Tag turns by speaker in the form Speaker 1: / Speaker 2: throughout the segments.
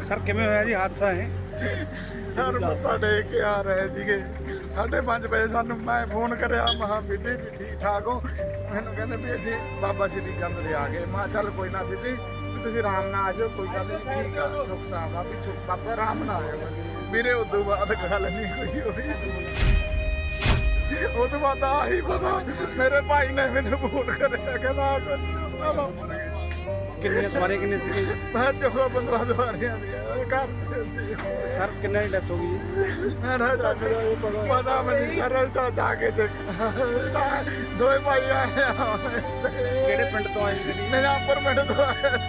Speaker 1: Sir किवें होया जी हादसा है?
Speaker 2: सर मत्था टेक के आ रहे थे 5:30 बजे सानू मैं फोन करिया महा बीबी भी ठीक ठाक हो मैनू कहते भी असीं बाबा श्री चंद दे आ गए मैं चल कोई ना बीबी तुसीं आराम नाल आ जाओ कोई गल नहीं ठीक आ सुख सावा भी सुख बाबा आराम नाल आ जाओ मेरे उदों बाद गल नहीं कोई होई उस तो बाद आही पता मेरे भाई ने मैनू फोन करिया कहंदा
Speaker 1: कितनी सवारी कितनी सी?
Speaker 2: मैं 14-15 सवारियां घर
Speaker 1: सर कितने की डेथ हो गई?
Speaker 2: पता नहीं सरल तो जाके दो भाई आए
Speaker 1: किहड़े पिंड तो आए जी?
Speaker 2: निजामपुर पिंड तो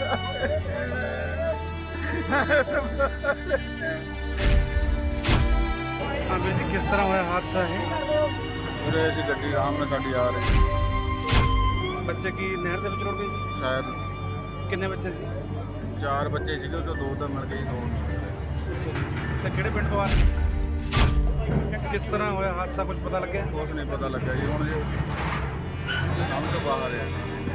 Speaker 1: हाँ ਵੀਰ जी किस तरह होया हादसा है?
Speaker 2: ਉਰੇ ਅਸੀਂ ਗੱਡੀ ਆਰਾਮ ਨਾਲ ਸਾਡੀ ਆ ਰਹੀ
Speaker 1: ਬੱਚੇ ਕੀ ਨਹਿਰ ਦੇ ਵਿੱਚ ਰੁੜ ਗਏ ਜੀ?
Speaker 2: ਸ਼ਾਇਦ
Speaker 1: ਕਿੰਨੇ ਬੱਚੇ ਸੀ?
Speaker 2: 4 ਬੱਚੇ ਸੀਗੇ ਉਹ ਤੋਂ 2 ਤਾਂ ਮਿਲ ਗਏ 2
Speaker 1: ਤੇ ਕਿਹੜੇ ਪਿੰਡ ਤੋਂ ਆ ਰਹੇ? ਕਿਸ ਤਰ੍ਹਾਂ ਹੋਇਆ ਹਾਦਸਾ ਕੁਝ ਪਤਾ ਲੱਗਿਆ?
Speaker 2: ਕੁਛ ਨਹੀਂ ਪਤਾ ਲੱਗਾ ਜੀ ਹੁਣ ਜੀ ਕੰਮ ਤੋਂ ਬਾਹਰ ਆ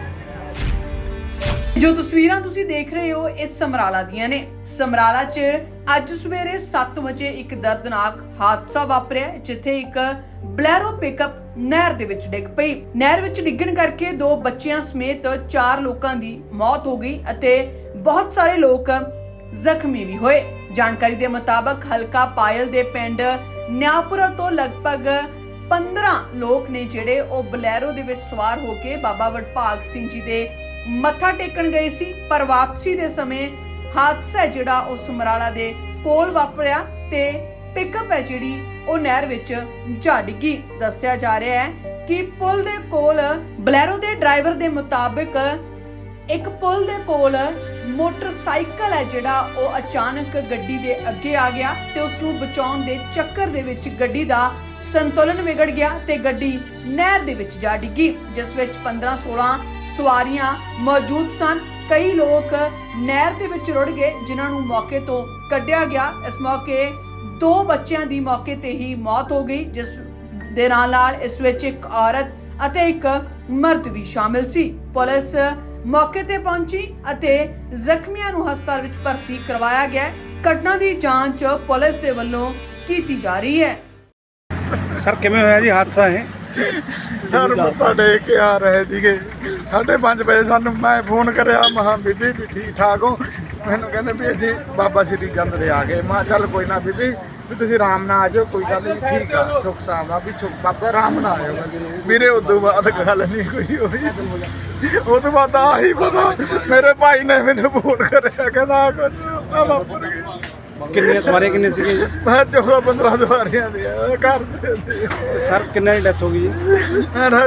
Speaker 3: ਜੋ ਤਸਵੀਰਾਂ ਤੁਸੀਂ ਦੇਖ ਰਹੇ ਹੋ ਇਹ ਸਮਰਾਲਾ ਦੀਆਂ ਨੇ। ਸਮਰਾਲਾ 'ਚ ਅੱਜ ਸਵੇਰੇ 7 ਵਜੇ ਇੱਕ ਦਰਦਨਾਕ ਹਾਦਸਾ ਵਾਪਰਿਆ ਜਿੱਥੇ ਇੱਕ ਬਲੈਰੋ ਪਿਕਅਪ ਨਹਿਰ ਦੇ ਵਿੱਚ ਡਿੱਗ ਪਈ। ਨਹਿਰ ਵਿੱਚ ਡਿੱਗਣ ਕਰਕੇ 2 ਬੱਚਿਆਂ ਸਮੇਤ 4 ਲੋਕਾਂ ਦੀ ਮੌਤ ਹੋ ਗਈ ਅਤੇ ਬਹੁਤ ਸਾਰੇ ਲੋਕ ਜ਼ਖਮੀ ਵੀ ਹੋਏ। ਜਾਣਕਾਰੀ ਦੇ ਮੁਤਾਬਕ ਹਲਕਾ ਪਾਇਲ ਦੇ ਪਿੰਡ ਨਿਆਪੁਰਾ ਤੋਂ ਲਗਭਗ 15 ਲੋਕ ਨੇ ਜਿਹੜੇ ਉਹ ਬਲੈਰੋ ਦੇ ਵਿੱਚ ਸਵਾਰ ਹੋ ਕੇ ਬਾਬਾ ਵਡਭਾਗ ਸਿੰਘ ਜੀ ਦੇ ਮੱਥਾ ਟੇਕਣ ਗਏ ਸੀ, ਪਰ ਵਾਪਸੀ ਦੇ ਸਮੇਂ ਹਾਦਸਾ ਜਿਹੜਾ ਉਹ ਸਮਰਾਲਾ ਦੇ ਕੋਲ ਵਾਪਰਿਆ ਤੇ ਪਿਕਅਪ ਹੈ ਜਿਹੜੀ ਉਹ ਨਹਿਰ ਵਿੱਚ ਜਾ ਡਿੱਗੀ। ਦੱਸਿਆ ਜਾ ਰਿਹਾ ਹੈ ਕਿ ਪੁਲ ਦੇ ਕੋਲ ਬਲੈਰੋ ਦੇ ਡਰਾਈਵਰ ਦੇ ਮੁਤਾਬਕ ਇੱਕ ਪੁਲ ਦੇ ਕੋਲ ਮੋਟਰਸਾਈਕਲ ਹੈ ਜਿਹੜਾ ਉਹ ਅਚਾਨਕ ਗੱਡੀ ਦੇ ਅੱਗੇ ਆ ਗਿਆ ਤੇ ਉਸ ਨੂੰ ਬਚਾਉਣ ਦੇ ਚੱਕਰ ਦੇ ਵਿੱਚ ਗੱਡੀ ਦਾ ਸੰਤੁਲਨ ਵਿਗੜ ਗਿਆ ਤੇ ਗੱਡੀ ਨਹਿਰ ਦੇ ਵਿੱਚ ਜਾ ਡਿੱਗੀ ਜਿਸ ਵਿੱਚ 15-16 ਸਵਾਰੀਆਂ ਮੌਜੂਦ ਸਨ। ਕਈ ਲੋਕ ਨਹਿਰ ਦੇ ਵਿੱਚ ਰੁੜ ਗਏ ਜਿਨ੍ਹਾਂ ਨੂੰ ਮੌਕੇ ਤੋਂ ਕੱਢਿਆ ਗਿਆ। ਇਸ ਮੌਕੇ 2 ਬੱਚਿਆਂ ਦੀ ਮੌਕੇ ਤੇ ਹੀ ਮੌਤ ਹੋ ਗਈ ਜਿਸ ਦੇ ਨਾਲ ਇਸ ਵਿੱਚ ਇੱਕ ਔਰਤ ਅਤੇ ਇੱਕ ਮਰਦ ਵੀ ਸ਼ਾਮਿਲ ਸੀ। ਪੁਲਿਸ ਮੌਕੇ ਤੇ ਪਹੁੰਚੀ ਅਤੇ ਜ਼ਖਮੀਆਂ ਨੂੰ ਹਸਪਤਾਲ ਵਿੱਚ ਭਰਤੀ ਕਰਵਾਇਆ ਗਿਆ। ਘਟਨਾ ਦੀ ਜਾਂਚ ਪੁਲਿਸ ਦੇ ਵੱਲੋਂ ਕੀਤੀ ਜਾ ਰਹੀ ਹੈ।
Speaker 1: ਸਰ ਕਿਵੇਂ ਹੋਇਆ ਜੀ ਹਾਦਸਾ ਹੈ?
Speaker 2: ਸਰ ਮੱਥਾ ਟੇਕ ਕੇ ਆ ਰਹੇ ਸੀਗੇ 5:30 ਵਜੇ ਸਾਨੂੰ ਮੈਂ ਫੋਨ ਕਰਿਆ ਮਹਾ ਬੀਬੀ ਵੀ ਠੀਕ ਠਾਕ ਹੋ ਮੈਨੂੰ ਕਹਿੰਦੇ ਵੀ ਅਸੀਂ ਬਾਬਾ ਸ਼੍ਰੀ ਚੰਦ ਦੇ ਆ ਗਏ ਮੈਂ ਚੱਲ ਕੋਈ ਨਾ ਬੀਬੀ ਵੀ ਤੁਸੀਂ ਆਰਾਮ ਨਾਲ ਆ ਜਾਓ ਕੋਈ ਗੱਲ ਨਹੀਂ ਠੀਕ ਆ ਸੁਖ ਸਾਵਾ ਵੀ ਸੁਖ ਬਾਬਾ ਆਰਾਮ ਨਾਲ ਆ ਜਾਓ ਮੇਰੇ ਉਦੋਂ ਬਾਅਦ ਗੱਲ ਨਹੀਂ ਕੋਈ ਹੋਈ ਉਹ ਤੋਂ ਬਾਅਦ ਆਹੀ ਪਤਾ ਮੇਰੇ ਭਾਈ ਨੇ ਮੈਨੂੰ ਫੋਨ ਕਰਿਆ ਕਹਿੰਦਾ ਕੁਝ
Speaker 1: ਕਿੰਨੀਆਂ ਸਵਾਰੀਆਂ ਕਿੰਨੇ ਸੀਗੇ ਜੀ?
Speaker 2: ਮੈਂ 14-15 ਸਵਾਰੀਆਂ ਘਰ
Speaker 1: ਸਰ ਕਿੰਨੇ ਦੀ ਡੈਥ ਹੋ ਗਈ ਜੀ?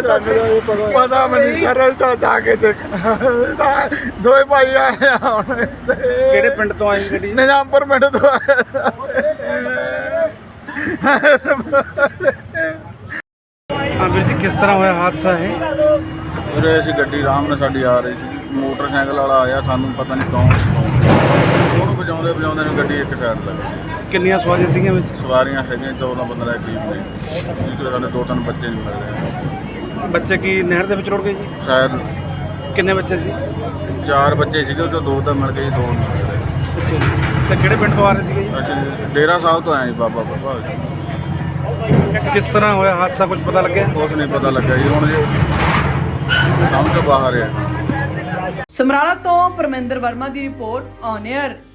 Speaker 2: ਪਤਾ ਨਹੀਂ ਸਰਲ ਤਾਂ ਜਾਕੇ ਦੋ ਭਾਈ ਆਏ ਹੁਣ
Speaker 1: ਕਿਹੜੇ ਪਿੰਡ ਤੋਂ ਆਏ ਗੱਡੀ?
Speaker 2: ਨਿਜ਼ਾਮਪੁਰ ਪਿੰਡ ਤੋਂ ਆਏ
Speaker 1: ਹਾਂ ਵੀਰ ਜੀ ਕਿਸ ਤਰ੍ਹਾਂ ਹੋਇਆ ਹਾਦਸਾ ਹੈ?
Speaker 2: ਉਰੇ ਅਸੀਂ ਗੱਡੀ ਆਰਾਮ ਨਾਲ ਸਾਡੀ ਆ ਰਹੀ ਸੀ ਮੋਟਰਸਾਈਕਲ ਵਾਲਾ ਆਇਆ ਸਾਨੂੰ ਪਤਾ ਨਹੀਂ ਕੌਣ ਉਹਨੂੰ ਵਜਾਉਂਦੇ ਨੂੰ ਗੱਡੀ ਇੱਕ ਸਾਈਡ ਲੱਗ ਗਈ।
Speaker 1: ਕਿੰਨੀਆਂ ਸਵਾਰੀਆਂ ਸੀਗੀਆਂ ਵਿੱਚ?
Speaker 2: ਸਵਾਰੀਆਂ ਹੈਗੀਆਂ 14-15 ਦੇ ਕਰੀਬ ਨੇ ਜਿਸ ਸਾਡੇ 2-3 ਬੱਚੇ ਨਹੀਂ ਮਿਲ ਰਹੇ
Speaker 1: ਬੱਚੇ ਕੀ ਨਹਿਰ ਦੇ ਵਿੱਚ ਰੁੜ ਗਏ ਜੀ?
Speaker 2: ਸ਼ਾਇਦ
Speaker 1: ਕਿੰਨੇ ਬੱਚੇ ਸੀ?
Speaker 2: 4 ਬੱਚੇ ਸੀਗੇ ਉਹ ਤੋਂ 2 ਤਾਂ ਮਿਲ ਗਏ 2 ਨਹੀਂ ਮਿਲ ਰਹੇ
Speaker 1: ਅੱਛਾ ਜੀ। ਤੇ ਕਿਹੜੇ ਪਿੰਡ ਤੋਂ ਆ ਰਹੇ ਸੀਗੇ ਜੀ?
Speaker 2: ਅਸੀਂ ਡੇਰਾ ਸਾਹਿਬ ਤੋਂ ਆਏ ਜੀ ਬਾਬਾ ਬਾਬਾ
Speaker 1: ਕਿਸ ਤਰ੍ਹਾਂ ਹੋਇਆ ਹਾਦਸਾ ਕੁਝ ਪਤਾ ਲੱਗਿਆ?
Speaker 2: ਕੁਛ ਨਹੀਂ ਪਤਾ ਲੱਗਾ ਜੀ ਹੁਣ ਜੀ ਕੰਮ ਤੋਂ ਬਾਹਰ ਆ
Speaker 3: ਸਮਰਾਲਾ ਤੋਂ ਪਰਮਿੰਦਰ ਵਰਮਾ ਦੀ ਰਿਪੋਰਟ ਔਨ 에ਅਰ।